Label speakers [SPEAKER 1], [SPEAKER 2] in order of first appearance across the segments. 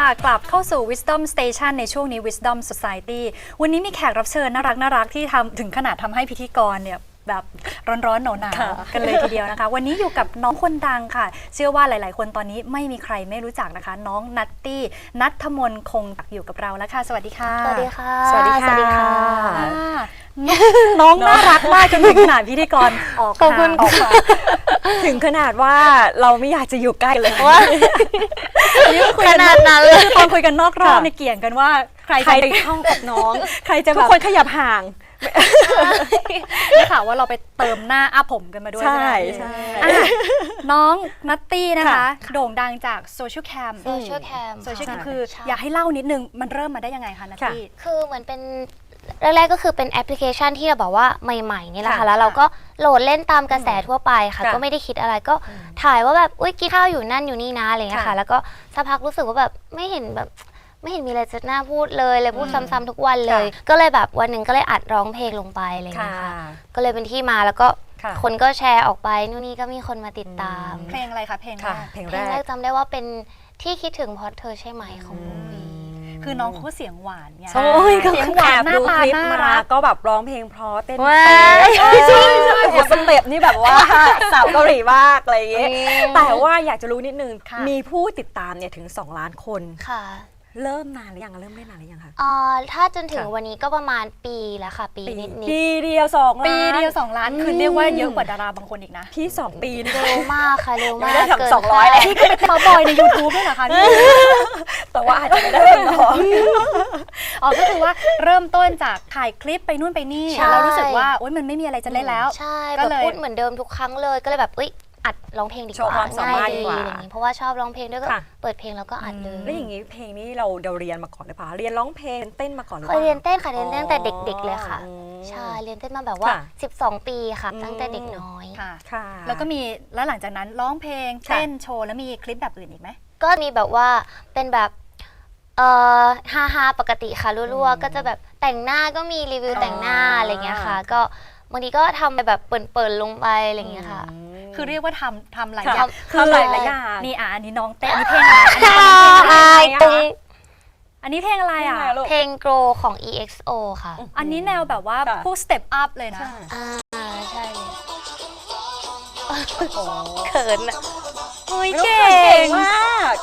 [SPEAKER 1] กลับเข้าสู่ Wisdom Station ในช่วงนี้ Wisdom Society วันนี้มีแขกรับเชิญน่ารักที่ทำถึงขนาดทำให้พิธีกรเนี่ยแบบร้อนๆหนาวๆกันเลยทีเดียวนะคะวันนี้อยู่กับน้องคนดังค่ะเชื่อว่าหลายๆคนตอนนี้ไม่มีใครไม่รู้จักนะคะน้องนัตตี้ณัฐมนต์คงจักอยู่กับเราแล้วค่ะสวัสดีค่ะ
[SPEAKER 2] สวัสดีค่ะ
[SPEAKER 1] สวัสดีค่ะน้องน่ารักมากจนถึงขนาดพิธีกรออก
[SPEAKER 2] ขอบคุณ
[SPEAKER 1] ออกมา
[SPEAKER 3] ถึงขนาดว่าเราไม่อยากจะอยู่ใกล้เลย
[SPEAKER 2] ว่าขนาดนั้นเลย
[SPEAKER 1] ตอนคุยกันนอกรอบเนี่ยเกี่ยงกันว่าใคร
[SPEAKER 3] ใคร
[SPEAKER 1] จะ
[SPEAKER 3] ไปเข้ากับน้อง
[SPEAKER 1] ใครจะ
[SPEAKER 3] ทุ
[SPEAKER 1] แบ
[SPEAKER 3] ก
[SPEAKER 1] บ
[SPEAKER 3] คนขยับห่าง
[SPEAKER 1] ได้ข่าวว่าเราไปเติมหน้าอาผมกันมาด้วย
[SPEAKER 3] ใช่
[SPEAKER 1] ไหม
[SPEAKER 3] ใช่
[SPEAKER 1] อ่ะน้องนัตตี้นะคะ
[SPEAKER 3] ค่ะ
[SPEAKER 1] โด่งดังจากโซเชียลแคม
[SPEAKER 2] โซเชียลแคม
[SPEAKER 1] โซเชียลแคม
[SPEAKER 2] ค่ะ
[SPEAKER 1] คือ
[SPEAKER 2] ใช่
[SPEAKER 1] อยากให้เล่านิดนึงมันเริ่มมาได้ยังไงคะนัตตี้
[SPEAKER 2] คือเหมือนเป็นแรกๆก็คือเป็นแอปพลิเคชันที่เราบอกว่าใหม่ๆนี่แหละค่ะ
[SPEAKER 3] ค่ะ
[SPEAKER 2] แล้วเราก็โหลดเล่นตามกระแสทั่วไปค่ะ
[SPEAKER 3] ค่ะ
[SPEAKER 2] ก็ไม่ได้คิดอะไรก็ถ่ายว่าแบบอุ้ยกินข้าวอยู่นั่นอยู่นี่นะอะไรเงี้ย
[SPEAKER 3] ค่ะ
[SPEAKER 2] ค่ะ แล้วก็สักพักรู้สึกว่าแบบไม่เห็นมีอะไรจะน่าพูดเลยพูดซ้ำๆทุกวันเลย ก็เลยแบบวันหนึ่งก็เลยอัดร้องเพลงลงไปอะไร
[SPEAKER 3] ค่ะ
[SPEAKER 2] เงี้ยค่ะก็เลยเป็นที่มาแล้วก็
[SPEAKER 3] ค่ะ
[SPEAKER 2] คนก็แชร์ออกไปนู่นนี่ก็มีคนมาติดตาม
[SPEAKER 1] เพลงอะไรคะเพลงแร
[SPEAKER 3] ค่ะ
[SPEAKER 1] ก
[SPEAKER 3] เพลง
[SPEAKER 2] เพ
[SPEAKER 3] แร
[SPEAKER 2] ลงแร
[SPEAKER 3] ก
[SPEAKER 2] กจำได้ว่าเป็นที่คิดถึงเพราะเธอใช่ไหมของโบวี
[SPEAKER 1] คือน้องเขาเสียงหวานไง
[SPEAKER 3] โอ้ยก็
[SPEAKER 1] เสียงหวานหน้า
[SPEAKER 3] ดู
[SPEAKER 1] ตา
[SPEAKER 3] คลิป
[SPEAKER 1] น่า
[SPEAKER 3] มา
[SPEAKER 1] รัก
[SPEAKER 3] ก็แบบร้องเพลงเพราะเต้น
[SPEAKER 2] ว้า
[SPEAKER 3] ใช่โอ้สเต็ปนี่แบบว่าสาวเกาหลีมากอะไรอย่างเงี้ยแต่ว่าอยากจะรู้นิดนึง
[SPEAKER 1] ค่ะ
[SPEAKER 3] มีผู้ติดตามเนี่ยถึง2 ล้านคน
[SPEAKER 2] ค่ะ
[SPEAKER 3] เริ่มนานหรือยังเริ่มได้นานหรือยังคะ
[SPEAKER 2] ถ้าจนถึง
[SPEAKER 3] ค่ะ
[SPEAKER 2] วันนี้ก็ประมาณปีแล้วค่ะ ปีนิด
[SPEAKER 3] ปีเดียว2 ล้าน
[SPEAKER 1] ปีเดียว2 ล้านคือเรียกว่าเยอะกว่าดาราบางคนอีกนะ
[SPEAKER 3] พี่2 ปีนะ
[SPEAKER 2] เร็วมากค่ะเร็ว
[SPEAKER 3] ยัง
[SPEAKER 2] มา
[SPEAKER 3] ไม่
[SPEAKER 2] ก
[SPEAKER 3] ได้
[SPEAKER 2] เกิน
[SPEAKER 3] ทำ200เลย
[SPEAKER 1] นี่ก็เป็นมาบอยใน YouTube ด้วยเหรอคะนี่
[SPEAKER 3] แต่ว่าอาจจะไม่ได้เป็นน้อง
[SPEAKER 1] อ๋อก็คือว่าเริ่มต้นจากถ่ายคลิปไปนู่นไปนี่เรารู้สึกว่าโอ๊ยมันไม่มีอะไรจะเล่นแล้ว
[SPEAKER 2] ใช่
[SPEAKER 1] ก็
[SPEAKER 2] แบบ
[SPEAKER 1] เลย
[SPEAKER 2] พูดเหมือนเดิมทุกครั้งเลยก็เลยแบบอัดร้องเพลงดีก
[SPEAKER 3] โชว์
[SPEAKER 2] ว่า
[SPEAKER 3] ความสามารถ
[SPEAKER 2] ง่าย
[SPEAKER 3] ดีกว่า
[SPEAKER 2] อะไรอย่างนี้เพราะว่าชอบร้องเพลงด้วยก็
[SPEAKER 3] ค่ะ
[SPEAKER 2] เปิดเพลงแล้วก็อัดเลย
[SPEAKER 3] แล้วอย่างนี้เพลงนี้เราเรียนมาก่อนหรือเปล่าเรียนร้องเพลงเต้นมาก่อนหรือ
[SPEAKER 2] เค
[SPEAKER 3] เป
[SPEAKER 2] ย
[SPEAKER 3] ล่า
[SPEAKER 2] เรียนเต้นค่ะเรียนเต้นตั้งแต่เด็ก ๆ เลยค่ะ
[SPEAKER 3] อืม
[SPEAKER 2] ใช่เรียนเต้นมาแบบว่า
[SPEAKER 3] ค่ะ
[SPEAKER 2] 12 ปีค่ะตั้งแต่เด็กน้อย
[SPEAKER 1] ค่ะ
[SPEAKER 3] ค่ะ
[SPEAKER 1] แล้วก็มีแล้วหลังจากนั้นร้องเพลง
[SPEAKER 3] ค่ะ
[SPEAKER 1] เต้นโชว์แล้วมีคลิปแบบอื่นอีกไหม
[SPEAKER 2] ก็มีแบบว่าเป็นแบบฮาปกติค่ะรั่วๆก็จะแบบแต่งหน้าก็มีรีวิวแต่งหน้าอะไรเงี้ยค่ะ ก็บางทีก็ทำแบบเปิดลงไปอะไรเงี้ยค่ะ
[SPEAKER 1] คือเรียกว่าทำหลาย
[SPEAKER 3] ค่ะ
[SPEAKER 1] อย่าง
[SPEAKER 3] ทำหลายอย่าง
[SPEAKER 1] นี่อันนี้น้องเต้นอันนี้เพลงอะไรอันนี้เพลงอะไรอ่ะ
[SPEAKER 2] เพลงโกรของ EXO ค่ะ
[SPEAKER 1] อันนี้แนวแบบว่า
[SPEAKER 3] ค่ะ
[SPEAKER 1] พวกสเต็ปอัพเลยนะ
[SPEAKER 2] ใช่เลย
[SPEAKER 3] โอ้
[SPEAKER 2] เขินอะ
[SPEAKER 1] โอ้ย
[SPEAKER 3] เก่
[SPEAKER 1] เก่ง
[SPEAKER 3] งมาก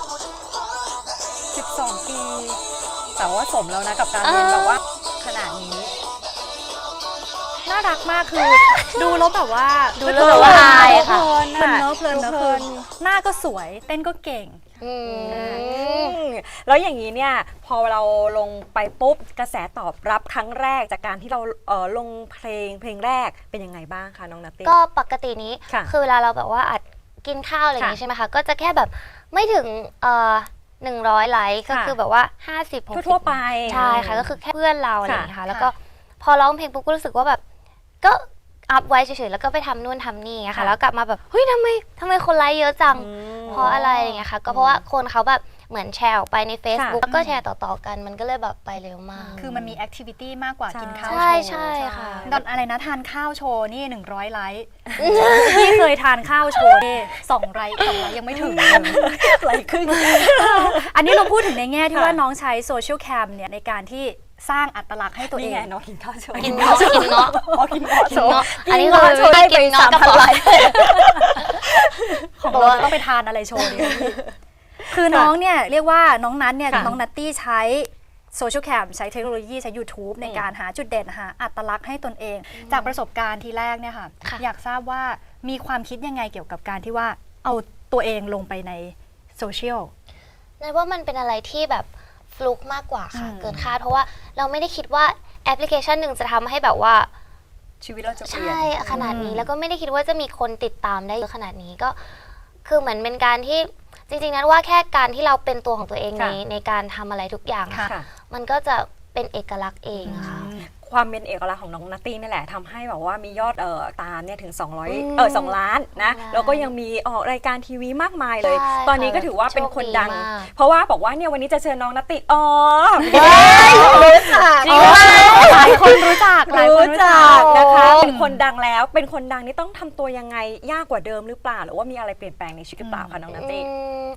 [SPEAKER 3] 12 ปี แต่ว่าสมแล้วนะกับการเรียนแบบว่าขนาดนี้
[SPEAKER 1] น่ารักมากคือดูแล้วแบบว่า
[SPEAKER 2] ดูแล้วแบบว่าอายค่ะ
[SPEAKER 1] เพลินเนอะเพลินเนอะ
[SPEAKER 3] เพลิ
[SPEAKER 1] คือน หน้าก็สวยเต้นก็เก่ง
[SPEAKER 2] อืม
[SPEAKER 3] แล้วอย่างนี้เนี่ยพอเราลงไปปุ๊บกระแสตอบรับครั้งแรกจากการที่เราลงเพลงแรกเป็นยังไงบ้างคะน้องนัตตี้
[SPEAKER 2] ก็ปกตินี้
[SPEAKER 3] ค่ะ
[SPEAKER 2] คือเวลาเราแบบว่าอัดกินข้าวอะไรอย่างงี้
[SPEAKER 3] ค่ะ
[SPEAKER 2] ใช่ไหมคะ ก็จะแค่แบบไม่ถึง100 ไลค์ก็
[SPEAKER 3] ค่ะ
[SPEAKER 2] คือแบบว่า50 60
[SPEAKER 3] ทั่วๆไป
[SPEAKER 2] ใช่ค่ะก็คือแค่เพื่อนเราอะไรอย่างเงี้ย
[SPEAKER 1] ค่ะ
[SPEAKER 2] ค่ะแล้วก็พอร้องเพลงปุ๊บก็รู้สึกว่าแบบก็อัพไว้เฉยๆแล้วก็ไปทำนู่นทำนี่อะค่ะ
[SPEAKER 3] ค่ะ
[SPEAKER 2] แล้วกลับมาแบบเฮ้ยทำไมคนไลค์เยอะจัง
[SPEAKER 3] อืม
[SPEAKER 2] เพราะอะไรอย่างเงี้ยค่ะก็เพราะว่าคนเขาแบบเหมือนแชร์ออกไปใน Facebook
[SPEAKER 3] ค่ะ
[SPEAKER 2] แล้วก็แชร์ต่อๆกันมันก็เลยแบบไปเร็วมาก
[SPEAKER 1] คือมันมีแอคทิวิตี้มากกว่ากินข้าวโช
[SPEAKER 2] ใช่
[SPEAKER 1] ว์
[SPEAKER 2] ใช่ค่ะ
[SPEAKER 1] ตอนอะไรนะทานข้าวโชว์นี่100 ไลค์พี่เคยทานข้าวโชว์นี่2 ไลค์ยังไม่ถึงเลย
[SPEAKER 3] ไหลครึ่ง
[SPEAKER 1] อันนี้เราพูดถึงในแง่ที่
[SPEAKER 3] ค่ะ
[SPEAKER 1] ว่าน้องใช้โซเชียลแคมเนี่ยในการที่สร้างอัตลักษณ์ให้ตัวเอ
[SPEAKER 3] นี่
[SPEAKER 1] ง
[SPEAKER 3] ไงน้องกินข้าวโชว์
[SPEAKER 2] กินเงาะกินเงาะ
[SPEAKER 3] อ๋อกินเงาะโชว์
[SPEAKER 2] เงาะอันนี้
[SPEAKER 3] กิเงาะโชว์ได้ไป
[SPEAKER 2] กินเงาะกระป๋อง
[SPEAKER 3] 3,000 ไลค์
[SPEAKER 1] ของเราจะต้องไปทานอะไรโชว์ดีคือน้องเนี่ยเรียกว่าน้องนัทเนี่ย
[SPEAKER 3] ค่ะ
[SPEAKER 1] น้องนัตตี้ใช้โซเชียลแคมใช้เทคโนโลยีใช้ YouTube ในการหาจุดเด่นหาอัตลักษณ์ให้ตนเอง จากประสบการณ์ทีแรกเนี่ยค่ะ
[SPEAKER 2] ค่ะ
[SPEAKER 1] อยากทราบว่ามีความคิดยังไงเกี่ยวกับการที่ว่าเอาตัวเองลงไปในโซเชียล
[SPEAKER 2] นั่นว่ามันเป็นอะไรที่แบบฟลุกมากกว่าค่ะ
[SPEAKER 1] อืม
[SPEAKER 2] เกินคาดเพราะว่าเราไม่ได้คิดว่าแอปพลิเคชันหนึ่งจะทำให้แบบว่า
[SPEAKER 3] ชีวิตเราจะเปลี่ยน
[SPEAKER 2] ใช่ขนาดนี้แล้วก็ไม่ได้คิดว่าจะมีคนติดตามได้เยอะขนาดนี้ก็คือเหมือนเป็นการที่จริงๆนั้นว่าแค่การที่เราเป็นตัวของตัวเองในการทำอะไรทุกอย่าง
[SPEAKER 1] ค่ะ
[SPEAKER 3] ค่ะ
[SPEAKER 2] มันก็จะเป็นเอกลักษณ์เองอะค่ะ
[SPEAKER 3] ความเป็นเอกลักษณ์ของน้องนัตตี้นี่แหละทำให้แบบว่ามียอดตามเนี่ยถึง
[SPEAKER 2] อืม
[SPEAKER 3] 2 ล้านนะ
[SPEAKER 2] 2 ล้าน
[SPEAKER 3] แล้วก็ยังมีออกรายการทีวีมากมายเลย
[SPEAKER 2] ใช่
[SPEAKER 3] ตอนนี้ก็ถือว่าเป็นคนดัง
[SPEAKER 2] โชคดีมาก
[SPEAKER 3] เพราะว่าบอกว่าเนี่ยวันนี้จะเชิญน้องนัตตี้อ๋อ
[SPEAKER 2] รู้จัก
[SPEAKER 3] จริงไหม
[SPEAKER 1] หลายคนรู้จักหลายคนรู้จัก
[SPEAKER 3] นะคะ
[SPEAKER 2] โอ้
[SPEAKER 3] เป็นคนดังแล้วเป็นคนดังนี่ต้องทำตัวยังไงยากกว่าเดิมหรือเปล่าหรือว่ามีอะไรเปลี่ยนแปลงในชีวิตหรือเปล่าคะน้องนัตตี้
[SPEAKER 2] อืม
[SPEAKER 3] ค่ะ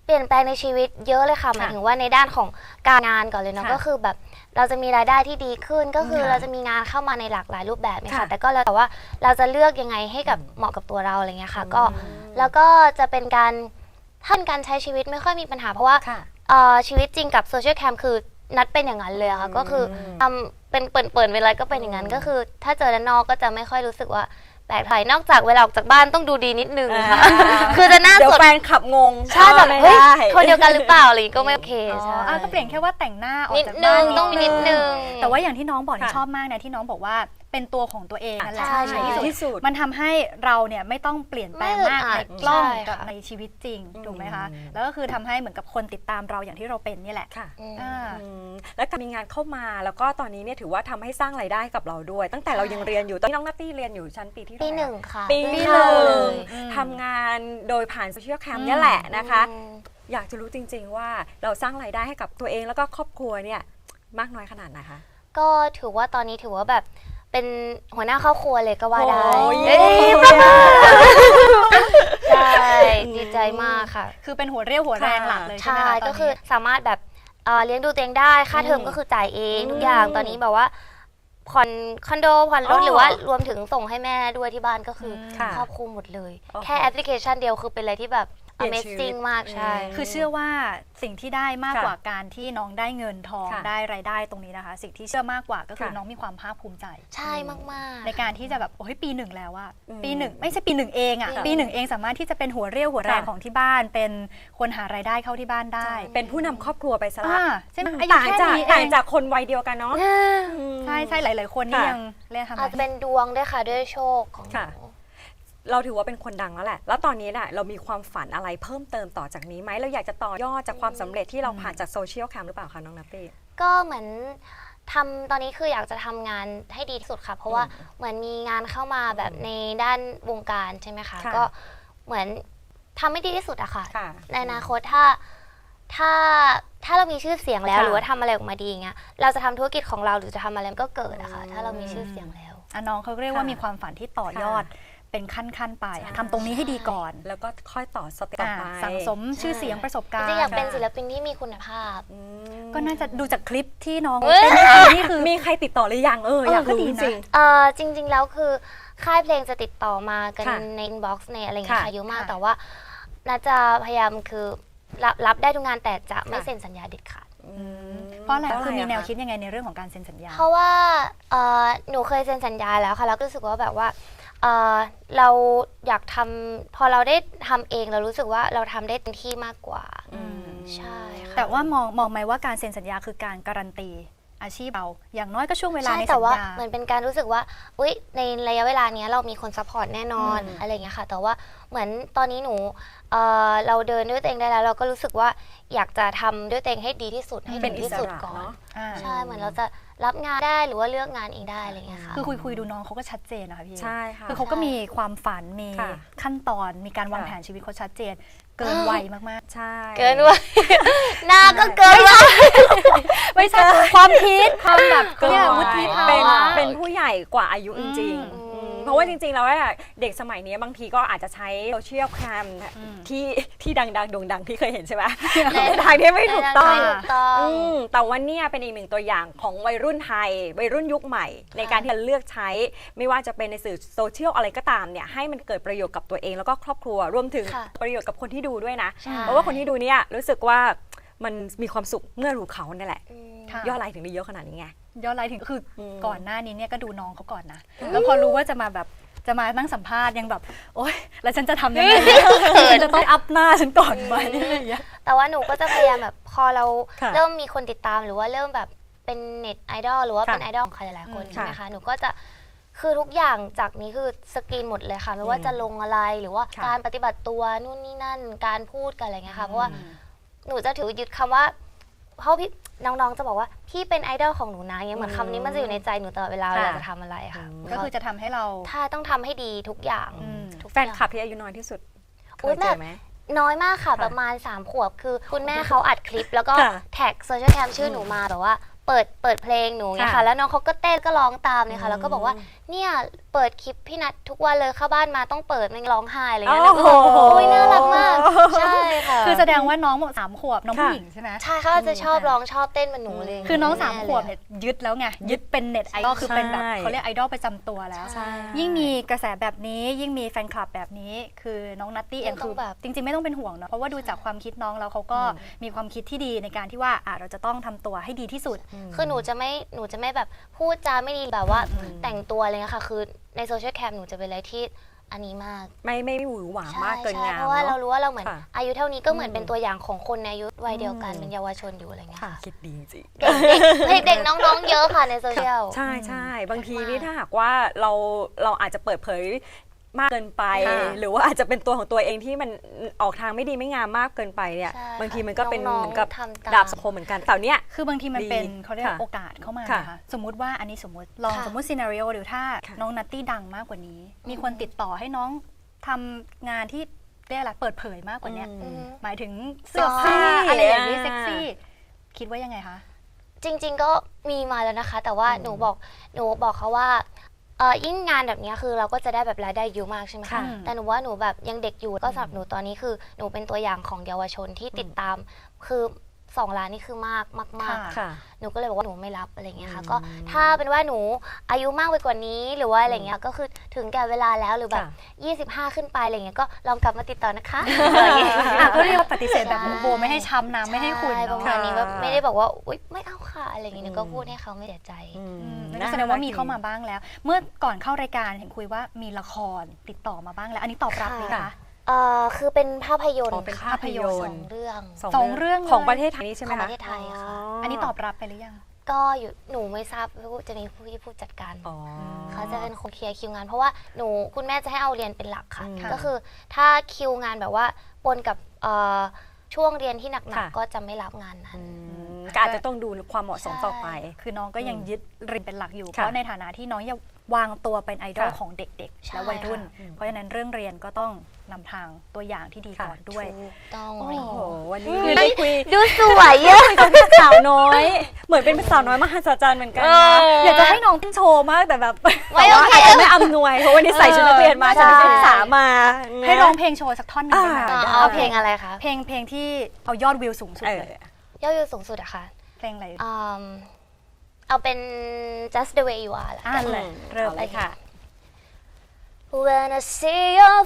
[SPEAKER 2] เปลี่ยนแปลงในชีวิตเยอะเลยค่ะหมายถึงว่าในด้านของการงานก่อนเลยเนาะ
[SPEAKER 3] ค่ะ
[SPEAKER 2] ก็คือแบบเราจะมีรายได้ที่ดีขึ้นก็คือ
[SPEAKER 3] ค่ะ
[SPEAKER 2] เราจะมีงานเข้ามาในหลากหลายรูปแบบเนี่ย
[SPEAKER 3] ค่ะ
[SPEAKER 2] ค่ะแต่ก็แล้วแต่ว่าเราจะเลือกยังไงให้กับเหมาะกับตัวเราอะไรเงี้ยค่ะก็แล้วก็จะเป็นการถ้าเป็นการใช้ชีวิตไม่ค่อยมีปัญหาเพราะว่า
[SPEAKER 3] ค่ะ
[SPEAKER 2] ชีวิตจริงกับโซเชียลแคมคือนัดเป็นอย่างนั้นเลยอะค่ะก็คือทำเป็นเปิดเวลาก็เป็นอย่างนั้นก็คือ ถ้าเจอด้านนอกก็จะไม่ค่อยรู้สึกว่าแปลกใจนอกจากเวลาออกจากบ้านต้องดูดีนิดนึงค่ะคือจะหน้า
[SPEAKER 3] เดี๋ยว
[SPEAKER 2] สด
[SPEAKER 3] แฟนขับงง
[SPEAKER 2] ใช่แบบ
[SPEAKER 3] ไม่
[SPEAKER 2] เฮ้ย
[SPEAKER 3] ได้
[SPEAKER 2] คนเดียวกันหรือเปล่าอะไรอย่างงี้ก็ไม่โอเค
[SPEAKER 1] อ๋อ
[SPEAKER 2] ใช่
[SPEAKER 1] ก็เปลี่ยนแค่ว่าแต่งหน้าออก
[SPEAKER 2] นิด
[SPEAKER 1] จาก
[SPEAKER 2] นึ
[SPEAKER 1] บ้าน
[SPEAKER 2] งต้องมีนิดนึง
[SPEAKER 1] แต่ว่าอย่างที่น้องบอกนี่
[SPEAKER 3] ค่ะ
[SPEAKER 1] ชอบมากนะที่น้องบอกว่าเป็นตัวของตัวเองนั่นแหละ
[SPEAKER 2] ใช่
[SPEAKER 1] ใน
[SPEAKER 3] ที่
[SPEAKER 1] ที่
[SPEAKER 3] สุ
[SPEAKER 1] สุ
[SPEAKER 3] ด
[SPEAKER 1] ดมันทำให้เราเนี่ยไม่ต้องเปลี่ยนแปลงมาก
[SPEAKER 2] ไม่อึดอั
[SPEAKER 1] ใน
[SPEAKER 2] ด
[SPEAKER 1] กล้อง
[SPEAKER 2] ใช่
[SPEAKER 1] กับ
[SPEAKER 2] ค่ะ
[SPEAKER 1] ในชีวิตจริงถูกไหมคะ
[SPEAKER 3] อืม
[SPEAKER 1] แล้วก็คือทำให้เหมือนกับคนติดตามเราอย่างที่เราเป็นนี่แหละ
[SPEAKER 3] ค่ะ
[SPEAKER 2] อืม
[SPEAKER 1] อ่า
[SPEAKER 3] แล้วการมีงานเข้ามาแล้วก็ตอนนี้เนี่ยถือว่าทำให้สร้างรายได้กับเราด้วย ตั้งแต่เรายังเรียนอยู่ตอนนี้น้องนัตตี้เรียนอยู่ชั้นปีที่
[SPEAKER 2] ปี
[SPEAKER 3] เท่าไร่
[SPEAKER 2] หนึ่งค่ะ
[SPEAKER 3] ปี
[SPEAKER 2] เพิ่ง
[SPEAKER 3] ห
[SPEAKER 2] เข้า
[SPEAKER 3] นึ่
[SPEAKER 2] เล
[SPEAKER 3] ง
[SPEAKER 2] ย
[SPEAKER 3] ทำงานโดยผ่านโซเชียลแคมเนี่ยแหละนะคะ
[SPEAKER 2] อืม
[SPEAKER 3] อยากจะรู้จริง ๆ ว่าเราสร้างรายได้ให้กับตัวเองแล้วก็ครอบครัวเนี่ยมากน้อยขนาดไหนคะ
[SPEAKER 2] ก็ถือว่าตอนนี้ถือว่าแบบเป็นหัวหน้าครอบครัวเลยก็ว่าได้
[SPEAKER 3] โอ้ย
[SPEAKER 2] เอ้ยใช่ดีใจมากค่ะ
[SPEAKER 1] คือเป็นหัวเรี่ยวหัวแรงหลักเลยใช่ไหม
[SPEAKER 2] ใช่
[SPEAKER 1] คะตน
[SPEAKER 2] ก็
[SPEAKER 1] นี้
[SPEAKER 2] คือสามารถแบบเลี้ยงดูตัวเองได้ค่าเทอมก็คือจ่ายเองทุกอย่างตอนนี้แบบว่าผ่อนคอนโดผ่อนรถหรือว่ารวมถึงส่งให้แม่ด้วยที่บ้านก็คือ
[SPEAKER 3] ค่ะ
[SPEAKER 2] ครอบคลุมหมดเลย
[SPEAKER 3] โอ้โห
[SPEAKER 2] แค่แอปพลิเคชันเดียวคือเป็นอะไรที่แบบ
[SPEAKER 3] เปลี่ยนชีวิต
[SPEAKER 2] Amazing มากใช่
[SPEAKER 1] คือเชื่อว่าสิ่งที่ได้มาก
[SPEAKER 3] ค่ะ
[SPEAKER 1] กว่าการที่น้องได้เงินทอง
[SPEAKER 3] ค่ะ
[SPEAKER 1] ได้รายได้ตรงนี้นะคะ สิ่งที่เชื่อมากกว่าก็คือ
[SPEAKER 3] ค่ะ
[SPEAKER 1] น้องมีความภาคภูมิใจ
[SPEAKER 2] ใช่มากๆ
[SPEAKER 1] ในการที่จะแบบโอ้ยปีหนึ่งแล้วอะ
[SPEAKER 3] อืม
[SPEAKER 1] ปีหนึ่งไม่ใช่ปีหนึ่งเองอะ
[SPEAKER 2] ค่ะ
[SPEAKER 1] ปีหนึ่งเองสามารถที่จะเป็นหัวเรี่ยวหัวแรง
[SPEAKER 3] ค่ะ
[SPEAKER 1] ของที่บ้าน เป็นคนหารายได้เข้าที่บ้านได้
[SPEAKER 3] เป็นผู้นำครอบครัวไปซะละ
[SPEAKER 1] อ่าใช่ไหมอายุ
[SPEAKER 3] ต่าง
[SPEAKER 1] แค่
[SPEAKER 3] จาก
[SPEAKER 1] นี้เอ
[SPEAKER 3] ต่าง
[SPEAKER 1] ง
[SPEAKER 3] จากคนวัยเดียวกันเนาะ
[SPEAKER 1] ใช่ใช่หลาย ๆ คนนี่
[SPEAKER 3] ค่ะ
[SPEAKER 1] ยังเรียกทำไม
[SPEAKER 2] อาจจะเป็นดวงด้วยค่ะด้วยโชคของห
[SPEAKER 3] ค่ะ
[SPEAKER 2] นู
[SPEAKER 3] เราถือว่าเป็นคนดังแล้วแหละ แล้วตอนนี้เนี่ยเรามีความฝันอะไรเพิ่มเติมต่อจากนี้ไหมเราอยากจะต่อยอดจากความสำเร็จที่เราผ่านจากโซเชียลแคมหรือเปล่าคะน้องนัตตี้
[SPEAKER 2] ก็เหมือนทำตอนนี้คืออยากจะทำงานให้ดีที่สุดค่ะ เพราะว่าเหมือนมีงานเข้ามาแบบในด้านวงการใช่ไหมคะ
[SPEAKER 3] ค่ะ
[SPEAKER 2] ก็เหมือนทำให้ดีที่สุดอะค่ะ
[SPEAKER 3] ค่ะ
[SPEAKER 2] ในอนาคตถ้าเรามีชื่อเสียงแล้ว
[SPEAKER 3] ค่ะ
[SPEAKER 2] หรือว่าทำอะไรออกมาดีอย่างเงี้ยเราจะทำธุรกิจของเราหรือจะทำอะไรมันก็เกิดอะค่ะถ้าเรามีชื่อเสียงแล้ว
[SPEAKER 1] อ่ะน้องเขาเรียกว่า
[SPEAKER 3] ค่ะ
[SPEAKER 1] มีความฝันที่ต่อยอดเป็นขั้น ๆ ไป
[SPEAKER 3] ใช่
[SPEAKER 1] ทำตรงนี้ให้ดีก่อน
[SPEAKER 3] แล้วก็ค่อยต่อสเต็ปต่อไป
[SPEAKER 1] สั่งสมชื่อเสียงประสบการ
[SPEAKER 2] จ
[SPEAKER 1] ณ์
[SPEAKER 2] ริงๆอยากเป็น
[SPEAKER 3] ค่ะ
[SPEAKER 2] ศิลปินที่มีคุณภาพ
[SPEAKER 3] อืม
[SPEAKER 1] ก็น่าจะดูจากคลิปที่น้อง
[SPEAKER 2] เอ้ย
[SPEAKER 1] เต้นให้ดูนี่คือ
[SPEAKER 3] มีใครติดต่อหรือยังอยาก
[SPEAKER 1] ก็
[SPEAKER 3] รู้
[SPEAKER 1] ดี
[SPEAKER 3] จ
[SPEAKER 1] นะ
[SPEAKER 3] ริง
[SPEAKER 2] จริง ๆ แล้วคือค่ายเพลงจะติดต่อมากัน
[SPEAKER 3] ค่ะ
[SPEAKER 2] ในอินบ็อกซ์ในอะไรอย่างเงี้ย
[SPEAKER 3] ค่ะ
[SPEAKER 2] ค่ะเยอะมาก
[SPEAKER 1] ค่ะ
[SPEAKER 2] แต่ว่าน่าจะพยายามคือรับได้ทุกงานแต่จะไม่
[SPEAKER 3] ค่ะ
[SPEAKER 2] เซ็นสัญญาเด็ดขาด
[SPEAKER 1] เพราะอะไรคือมีแนว
[SPEAKER 3] ะ
[SPEAKER 1] คิดยังไงในเรื่องของการเซ็นสัญญา
[SPEAKER 2] เพราะว่าหนูเคยเซ็นสัญญาแล้วค่ะแล้วก็รู้สึกว่าแบบว่าเราอยากทำพอเราได้ทำเองเรารู้สึกว่าเราทำได้เต็มที่มากกว่า ใช่ค่ะ
[SPEAKER 1] แต่ว่ามองไหมว่าการเซ็นสัญญาคือการการันตีอาชีพเราอย่างน้อยก็ช่วงเวลา
[SPEAKER 2] ใช่
[SPEAKER 1] ใน
[SPEAKER 2] แต่
[SPEAKER 1] สัญ
[SPEAKER 2] ว่า
[SPEAKER 1] ญา
[SPEAKER 2] เหมือนเป็นการรู้สึกว่าอุ๊ยในระยะเวลาเนี้ยเรามีคนซัพพอร์ตแน่นอน
[SPEAKER 3] อืม
[SPEAKER 2] อะไรอย่างเงี้ยค่ะ แต่ว่าเหมือนตอนนี้หนูเราเดินด้วยตัวเองได้แล้ว เราก็รู้สึกว่าอยากจะทำด้วยตัวเองให้ดีที่สุดให้
[SPEAKER 3] เป็
[SPEAKER 2] ถึ
[SPEAKER 3] น
[SPEAKER 2] ง
[SPEAKER 3] อิ
[SPEAKER 2] ที่
[SPEAKER 3] ส
[SPEAKER 2] สุด
[SPEAKER 3] ระ
[SPEAKER 2] ก่อน
[SPEAKER 3] เนาะ
[SPEAKER 2] ใช่เหมือนเราจะรับงานได้หรือว่าเลือกงานเองได้อะไรอย่างเงี้ยค่ะ
[SPEAKER 1] คือคุยดูน้องเขาก็ชัดเจนนะคะพี่
[SPEAKER 3] ใช่ค่ะ
[SPEAKER 1] คือเขาก็มีความฝันมี
[SPEAKER 3] ค่ะ
[SPEAKER 1] ขั้นตอนมีการวาง
[SPEAKER 3] ค่ะ
[SPEAKER 1] แผนชีวิตเขาชัดเจน เกินวัยมาก
[SPEAKER 3] ใช่
[SPEAKER 2] เกินวัย หน้าก็เกินวัย
[SPEAKER 1] ๆ ไม่ใช่ความคิดความแบบ
[SPEAKER 3] เกิน
[SPEAKER 1] เนี่ย
[SPEAKER 3] วั
[SPEAKER 1] วุ
[SPEAKER 3] ย
[SPEAKER 1] ฒิภา
[SPEAKER 3] เป็น
[SPEAKER 1] วะ
[SPEAKER 3] เป็นผู้ใหญ่กว่าอายุจริง
[SPEAKER 1] อืม
[SPEAKER 3] ๆเพราะว่าจริงๆแล้วอะเด็กสมัยนี้บางทีก็อาจจะใช้โซเชียลแคมที่ดังๆโด่งดังที่เคยเห็นใช่ไหมในทางที่ไม่ถูกต้อง
[SPEAKER 2] ไม่ถูกต้อง
[SPEAKER 3] แต่ว่าเนี่ยเป็นอีกหนึ่งตัวอย่างของวัยรุ่นไทย วัยรุ่นยุคใหม่ ในการที่จะเลือกใช้ ไม่ว่าจะเป็นในสื่อโซเชียลอะไรก็ตามเนี่ยให้มันเกิดประโยชน์กับตัวเองแล้วก็ครอบครัวรวมถึง
[SPEAKER 2] ค่ะ
[SPEAKER 3] ประโยชน์กับคนที่ดูด้วยนะ
[SPEAKER 2] ใช่
[SPEAKER 3] เพราะว่าคนที่ดูเนี่ยรู้สึกว่ามันมีความสุขเมื่อรู้เขาเนี่ยแหละ
[SPEAKER 2] อืม
[SPEAKER 1] ค่ะ
[SPEAKER 3] ยอดไลค์ถึงได้เยอะขนาดนี้ไง
[SPEAKER 1] ย้อนไลน์ถึงคืออ
[SPEAKER 3] ม
[SPEAKER 1] ก่อนหน้านี้เนี่ยก็ดูน้องเขาก่อนนะ แล้วพอรู้ว่าจะมานั่งสัมภาษณ์ยังแบบ โอ๊ยแล้วฉันจะทำยังไงฉันจะต้องอัพหน้าฉันก่อนไหมอะไรอย่างเงี้ย
[SPEAKER 2] แต่ว่าหนูก็จะพยายามแบบพอเรา
[SPEAKER 3] ค่ะ
[SPEAKER 2] เริ่มมีคนติดตามหรือว่าเริ่มแบบเป็นเน็ตไอดอลหรือว่า
[SPEAKER 3] ค่ะ
[SPEAKER 2] เป็นไอดอลของใครหลายๆคน
[SPEAKER 1] อืม
[SPEAKER 2] ใช่ไหมคะหนูก็จะคือทุกอย่างจากนี้คือสกรีนหมดเลยค่ะไม่ว่าจะลงอะไรหรือว่า
[SPEAKER 3] ค่ะ
[SPEAKER 2] การปฏิบัติตัวนู่นนี่นั่นการพูดกันอะไรเงี้ยค่ะเพราะว่าหนูจะถือยึดคำว่าเพราะพี่น้องๆจะบอกว่าพี่เป็นไอดอลของหนูนะเงี้ยเหมือนคำนี้มันจะอยู่ในใจหนูตลอดเวลา
[SPEAKER 3] ค่ะ
[SPEAKER 2] เวลาจะทำอะไรค่ะ
[SPEAKER 1] ก็คือจะทำให้เรา
[SPEAKER 2] ถ้าต้องทำให้ดีทุกอย่าง
[SPEAKER 1] อืม
[SPEAKER 2] ทุก
[SPEAKER 3] แฟนคลับที่อายุน้อยที่สุดเค
[SPEAKER 2] อุ๊
[SPEAKER 3] ย
[SPEAKER 2] ย
[SPEAKER 3] เจอไหม
[SPEAKER 2] น้อยมากค่ะ
[SPEAKER 3] ค่ะ
[SPEAKER 2] ประมาณ3 ขวบคือคุณแม่เขาอัดคลิป แล้วก็
[SPEAKER 3] ค่ะ
[SPEAKER 2] แท็กโซเชียลแคมชื่อหนูมาแบบว่าเปิดเพลงหนูเนี่ย
[SPEAKER 3] ค่ะ
[SPEAKER 2] ค่ะแล้วน้องเขาก็เต้นก็ร้องตามเนี่ยค่ะแล้วก็บอกว่า
[SPEAKER 3] อืม
[SPEAKER 2] เนี่ยเเปิดคลิปพี่นัททุกวันเลยเข้าบ้านมาต้องเปิดมันร้องไห้อะไรเงี้ย
[SPEAKER 3] โอ้โห
[SPEAKER 2] โอ้ยน่ารักมากใช่ค่ะ
[SPEAKER 1] คือแสดงว่าน้อง3 ขวบน้องผู้หญิงใช่ไหม
[SPEAKER 2] ใช่เขาจะชอบร้องชอบเต้นเหมือนหนูเลย
[SPEAKER 1] คือน้อง
[SPEAKER 2] แ
[SPEAKER 1] 3 ขวบเนี่ยยึดแล้วไงยึดเป็นเน็ตไอดอลคือเป็นแบบ
[SPEAKER 3] ใช่
[SPEAKER 1] เขาเรียกไอดอลประจำตัวแล้ว
[SPEAKER 2] ใช่
[SPEAKER 1] ยิ่งมีกระแสแบบนี้ยิ่งมีแฟนคลับแบบนี้ คือน้องนัตตี้เอง
[SPEAKER 2] ต้
[SPEAKER 1] คือ
[SPEAKER 2] องแบบ
[SPEAKER 1] จริงๆไม่ต้องเป็นห่วงเนาะเพราะว่าดูจากความคิดน้องแล้วเขาก็มีความคิดที่ดีในการที่ว่าเราจะต้องทำตัวให้ดีที่สุด
[SPEAKER 2] คือหนูจะไม่แบบพูดจาไม่ดีแบบว่าแต่งตัวอะไรเงี้ยค่ะคือในโซเชียลแคมหนูจะเป็นอะไรที่อันนี้มาก
[SPEAKER 3] ไม่หวือหวามากเกิน
[SPEAKER 2] ใช่
[SPEAKER 3] งาม
[SPEAKER 2] เพราะว่าเรา
[SPEAKER 3] เนาะ
[SPEAKER 2] รู้ว่าเราเหมือน
[SPEAKER 3] ค่ะ
[SPEAKER 2] อายุเท่านี้ก็เหมือนเป็นตัวอย่างของคนในอายุวัยเดียวกันเป็นเยาวชนอยู่อะไรเงี้ย
[SPEAKER 3] ค่ะ
[SPEAKER 2] ค่ะ
[SPEAKER 3] คิดดีจริง
[SPEAKER 2] เด็กๆน้องๆเยอะค่ะในโซเชียล
[SPEAKER 3] ใช่ใช่บางที
[SPEAKER 2] มาก
[SPEAKER 3] นี่ถ้าหากว่าเราอาจจะเปิดเผยมากเกินไป
[SPEAKER 1] ค่ะ
[SPEAKER 3] หรือว่าอาจจะเป็นตัวของตัวเองที่มันออกทางไม่ดีไม่งามมากเกินไปเนี่ย
[SPEAKER 2] ใช่
[SPEAKER 3] บางทีมันก็เป็น
[SPEAKER 2] น้องๆ
[SPEAKER 3] เหมือนกับ
[SPEAKER 2] ทำตาม
[SPEAKER 3] ดาบสังคมเหมือนกันแต่เนี้ย
[SPEAKER 1] คือบางทีมันเป็น
[SPEAKER 3] ดี
[SPEAKER 1] เขาเรียก
[SPEAKER 3] ค่ะ
[SPEAKER 1] โอกาสเข้ามา
[SPEAKER 3] ค่ะ
[SPEAKER 1] นะคะสมมุติว่าอันนี้สมมติลอง
[SPEAKER 2] ค่ะ
[SPEAKER 1] สมมติซีนารีโอหรือถ้า
[SPEAKER 3] ค่ะ
[SPEAKER 1] น้องนัตตี้ดังมากกว่านี้ มีคนติดต่อให้น้องทำงานที่เรียกอะไรเปิดเผยมากกว่านี้
[SPEAKER 2] อืม
[SPEAKER 1] หมายถึงเสื้อ
[SPEAKER 3] เซ็กซี่
[SPEAKER 1] ผ้าอะไรอย่างนี้
[SPEAKER 3] อ่า
[SPEAKER 1] เซ็กซี่คิดว่ายังไงคะ
[SPEAKER 2] จริงๆก็มีมาแล้วนะคะ แต่ว่าหนูบอกเขาว่ายิ่งงานแบบเนี้ยคือเราก็จะได้แบบรายได้เยอะมากใช่ไหม
[SPEAKER 3] ค่ะ
[SPEAKER 2] คะแต่หนูว่าหนูแบบยังเด็กอยู่ก็สำหรับหนูตอนนี้คือหนูเป็นตัวอย่างของเยาวชนที่ติดตามคือ2 ล้านนี่คือมากมาก
[SPEAKER 1] ค่ะ
[SPEAKER 3] ค่ะ
[SPEAKER 2] หนูก็เลยบอกว่าหนูไม่รับอะไรเงี้ยค่ะ
[SPEAKER 3] อืม
[SPEAKER 2] ก็ถ้าเป็นว่าหนูอายุมากไปกว่านี้หรือว่าอะไรเงี้ยก็คือถึงแก่เวลาแล้วหรือแบบ 25 ขึ้นไปอะไรเงี้ยก็ลองกลับมาติดต่อนะคะอะไรเงี้ย
[SPEAKER 1] ก็เรียกว่าปฏิเสธแบบโบไม่ให้ช้ำน้ำไม่ให้ขุ่น
[SPEAKER 2] ใช่ป
[SPEAKER 1] เนาะ
[SPEAKER 2] ระมาณนี้แบบไม่ได้บอกว่าอุ๊ยไม่เอาค่ะอะไรเงี้ยหนูก็พูดให้เขาไม่เสียใจ
[SPEAKER 1] นั่นก็แสดงว่ามีเข้ามาบ้างแล้ว เมื่อก่อนเข้ารายการเห็นคุยว่ามีละครติดต่อมาบ้างแล้ว อันนี้ตอบรับไหม
[SPEAKER 3] ค่ะ
[SPEAKER 1] คะ
[SPEAKER 2] คือเป็นภาพยนต
[SPEAKER 3] อ๋อ
[SPEAKER 2] ร์
[SPEAKER 3] เป็น
[SPEAKER 2] ค่ะ
[SPEAKER 3] ภาพยน
[SPEAKER 2] ส
[SPEAKER 3] ต
[SPEAKER 2] อ
[SPEAKER 3] ร์
[SPEAKER 2] งเรื่อง
[SPEAKER 1] สองเรื่องเลย
[SPEAKER 3] ของประเทศไทยนี่ใช่ไหม
[SPEAKER 2] ของป
[SPEAKER 3] คะ
[SPEAKER 2] ระเทศไทยค่ะ
[SPEAKER 1] อันนี้ตอบรับไปหรือยัง
[SPEAKER 2] ก็อยู่หนูไม่ทราบว่าจะมีผู้จัดการ
[SPEAKER 3] อ๋อ
[SPEAKER 2] เขาจะเป็นคนเคลียร์คิวงาน เพราะว่าคุณแม่จะให้เอาเรียนเป็นหลักค่ะ
[SPEAKER 3] อืม
[SPEAKER 2] ก็คือถ้าคิวงานแบบว่าปนกับช่วงเรียนที่หนัก
[SPEAKER 3] ค่ะ
[SPEAKER 2] ๆก็จะไม่รับงานนั้น
[SPEAKER 3] ก็อาจจะต้องดูความเหมาะสมต่อไป
[SPEAKER 1] คือน้องก็ยังยึดเรียนเป็นหลักอยู่
[SPEAKER 3] ค่ะ
[SPEAKER 1] เพราะในฐานะที่น้องยังวางตัวเป็นไอดอล
[SPEAKER 3] ค่ะ
[SPEAKER 1] ของเด็กๆ
[SPEAKER 2] ใช่
[SPEAKER 1] และวัยรุ่น
[SPEAKER 2] ค่ะ
[SPEAKER 1] เพราะฉะนั้นเรื่องเรียนก็ต้องนำทางตัวอย่างที่ดีก่อนด้วย
[SPEAKER 2] ถูกต้อง
[SPEAKER 3] โอ้
[SPEAKER 2] เลย
[SPEAKER 3] โหวันนี้ได้คุย
[SPEAKER 2] ดูสวยเยอะ
[SPEAKER 3] กับสาวน้อย เหมือนเป็นสาวน้อยมหัศจรรย์เหมือนกันนะ
[SPEAKER 1] อยากจะให้น้องเต้นโชว์มากแต่แบบ
[SPEAKER 2] ไม่
[SPEAKER 3] แต่
[SPEAKER 2] โอ
[SPEAKER 3] ว่า
[SPEAKER 2] เค
[SPEAKER 3] อาจจะไม่อำนวยเพราะวันนี้ใส่ชุดนักเรียนมา
[SPEAKER 2] ใช่
[SPEAKER 3] ฉันเป็นนักศึกษามา
[SPEAKER 1] ให้ร้องเพลงโชว์สักท่อนหนึ่งได้ไหม
[SPEAKER 3] อ่า
[SPEAKER 2] เอาเพลงอะไรคะ
[SPEAKER 1] เพลงที่เอายอดวิวสูงสุด
[SPEAKER 3] เออ
[SPEAKER 1] เลย
[SPEAKER 2] ยอดวิวสูงสุดอะค่ะ
[SPEAKER 1] เพลงอะไร
[SPEAKER 2] เอาเป็น just the way you are ละ
[SPEAKER 1] อ่า
[SPEAKER 2] กัน
[SPEAKER 1] เลยเริ่มเลยค่ะ
[SPEAKER 2] When I see your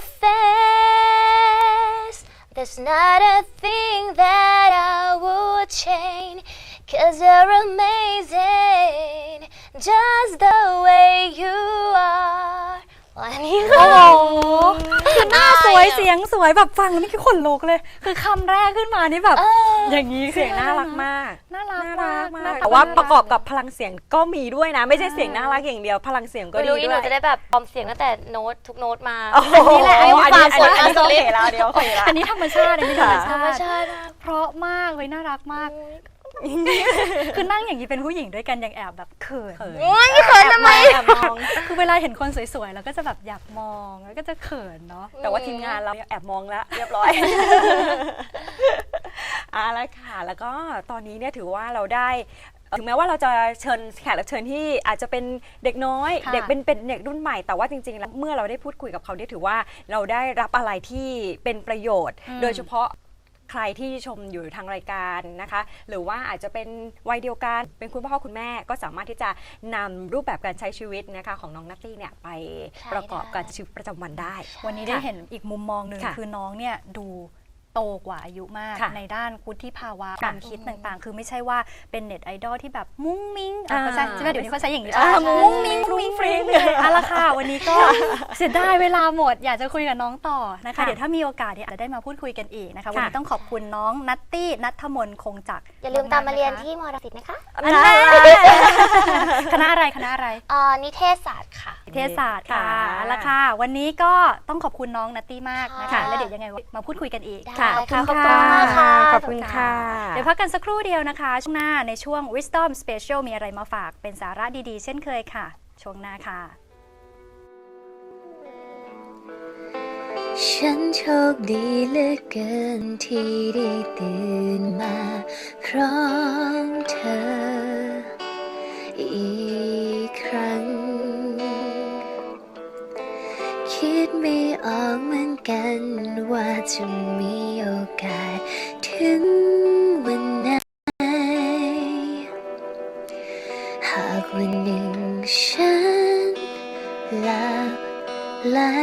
[SPEAKER 2] face, there's not a thing that I would change. 'Cause you're amazing, just the way you are. วันนี้
[SPEAKER 1] โอ้
[SPEAKER 2] ค่ะ
[SPEAKER 1] โหคือหน้าสวยเสียงสวยแบบฟังแล้วไม่คิดขนลุกเลย คือคำแรกขึ้นมานี่แบบ อย่างนี้
[SPEAKER 3] เสียงน่ารักมาก
[SPEAKER 1] น่ารัก
[SPEAKER 3] น่ารัก
[SPEAKER 1] ห
[SPEAKER 3] มา
[SPEAKER 1] น้
[SPEAKER 3] ก
[SPEAKER 1] ต
[SPEAKER 3] แต่ว่า
[SPEAKER 1] น่
[SPEAKER 3] ประกอบกับพลังเสียงก็มีด้วยนะ ไม่ใช่เสียงน่ารักอย่างเดียว พลังเสียงก็
[SPEAKER 2] ไม่
[SPEAKER 3] ดี
[SPEAKER 2] รู้
[SPEAKER 3] ด้
[SPEAKER 2] อี
[SPEAKER 3] ว
[SPEAKER 2] หนู
[SPEAKER 3] ย
[SPEAKER 2] จะได้แบบปลอมเสียงตั้งแต่โน้ตทุกโน้ตมา
[SPEAKER 3] โอ้โห
[SPEAKER 1] นี่แหละ
[SPEAKER 3] อันนี้
[SPEAKER 2] ฝาก
[SPEAKER 3] อัน
[SPEAKER 2] กด
[SPEAKER 3] นี้
[SPEAKER 2] มา
[SPEAKER 3] โอเคแล้วเดี๋ยวโอเคแล้ว
[SPEAKER 1] อันนี้ธรรมชาติอันนี้ธรรม
[SPEAKER 2] ธร
[SPEAKER 1] ชาร
[SPEAKER 2] ม
[SPEAKER 1] ติ
[SPEAKER 2] ชาติมาก
[SPEAKER 1] เพราะมากเฮ้ยน่ารักมาก คือนั่งอย่างนี้เป็นผู้หญิงด้วยกันยังแอบแบบเขิน
[SPEAKER 3] เขิน
[SPEAKER 2] โอ้ยเขินทำไม
[SPEAKER 3] แอบมอง
[SPEAKER 1] คือเวลาเห็นคนสวยๆเราก็จะแบบอยากมองแล้วก็จะเขินเนาะ
[SPEAKER 3] แต่ว่าทีมงานเราเนี่ยแอบมองแล้วเรียบร้อย แล้วค่ะ แล้วก็ตอนนี้เนี่ยถือว่าเราได้ถึงแม้ว่าเราจะเชิญแขกรับเชิญที่อาจจะเป็นเด็กน้อย
[SPEAKER 1] ค่ะ
[SPEAKER 3] เด็กเป็นเด็กรุ่นใหม่แต่ว่าจริงๆแล้วเมื่อเราได้พูดคุยกับเขาเนี่ยถือว่าเราได้รับอะไรที่เป็นประโยชน์ โดยเฉพาะใครที่ชมอยู่ทางรายการนะคะ หรือว่าอาจจะเป็นวัยเดียวกันเป็นคุณพ่อคุณแม่ก็สามารถที่จะนำรูปแบบการใช้ชีวิตนะคะของน้องนัตตี้เนี่ยไป
[SPEAKER 2] ใช่
[SPEAKER 3] ประกอบกับชีวิตประจำวันได้
[SPEAKER 1] วันนี้ได้เห็นอีกมุมมองหนึ่ง
[SPEAKER 3] ค่ะ
[SPEAKER 1] คือน้องเนี่ยดูโตกว่าอายุมาก
[SPEAKER 3] ค่ะ
[SPEAKER 1] ในด้านวุฒิภาวะ
[SPEAKER 3] ค่ะ
[SPEAKER 1] ความคิดต่างๆ คือไม่ใช่ว่าเป็นเน็ตไอดอลที่แบบมุ้งมิ้ง
[SPEAKER 3] อ่า
[SPEAKER 1] เขาใช้ใช่ไหมเดี๋ยวนี้เขาใช้อย่างนี้
[SPEAKER 3] อ่า
[SPEAKER 1] ใช่ไหม
[SPEAKER 3] มุ้
[SPEAKER 1] มุ้
[SPEAKER 3] ง
[SPEAKER 1] ง
[SPEAKER 3] มิ้
[SPEAKER 1] มิ้
[SPEAKER 3] ง
[SPEAKER 1] ง
[SPEAKER 3] ฟรุ้
[SPEAKER 1] ฟรุ้
[SPEAKER 3] ง
[SPEAKER 1] ง
[SPEAKER 3] ฟ
[SPEAKER 1] ฟ
[SPEAKER 3] ริ้
[SPEAKER 1] ริ้
[SPEAKER 3] ง
[SPEAKER 1] งเลยเอาละค่ะวันนี้ก็ เสียดายเวลาหมดอยากจะคุยกับน้องต่อนะคะ
[SPEAKER 3] ค่ะ
[SPEAKER 1] เดี๋ยวถ้ามีโอกาสเนี่ยอาจจะได้มาพูดคุยกันอีกนะคะ
[SPEAKER 3] ค่ะ
[SPEAKER 1] วันนี้ต้องขอบคุณน้องนัตตี้นัทธมนคงจักร
[SPEAKER 2] อย่าลืมตามมาเรียน
[SPEAKER 1] กๆะคะ
[SPEAKER 2] ที่มอรังสิตนะคะ
[SPEAKER 1] อันนั้นคณะอะไรคณะอะไร
[SPEAKER 2] นิเทศศาสตร์ค่ะ
[SPEAKER 1] นิเทศศาสตร์ค่ะ
[SPEAKER 3] ค่ะ
[SPEAKER 1] เอาละค่ะ วันนี้ก็ต้องขอบคุณน้องนัตตี้มากนะคะ
[SPEAKER 2] ค่ะ
[SPEAKER 1] แล้วเดี๋ยวยังไงมาพูดคุยกันอีก
[SPEAKER 2] ได้
[SPEAKER 3] ค่ะ
[SPEAKER 2] ค่ะ
[SPEAKER 1] ขอบคุณ
[SPEAKER 2] ขอบคุณมากค่ะ
[SPEAKER 3] ขอบคุณค่ะ
[SPEAKER 1] เดี๋ยวพักกันสักครู่เดียวนะคะ ช่วงหน้าในช่วง Wisdom Special มีอะไรมาฝากเป็นสาระดีๆ เช่นเคยค่ะ ช่วงหน้าค่ะ
[SPEAKER 2] ฉันโชคดีเหลือเกินที่ได้ตื่นมาพร้อมเธออีกครั้งออกเหมือนกันว่าจะมีโอกาสถึงวันไหนหากวันหนึ่งฉันหลับไหล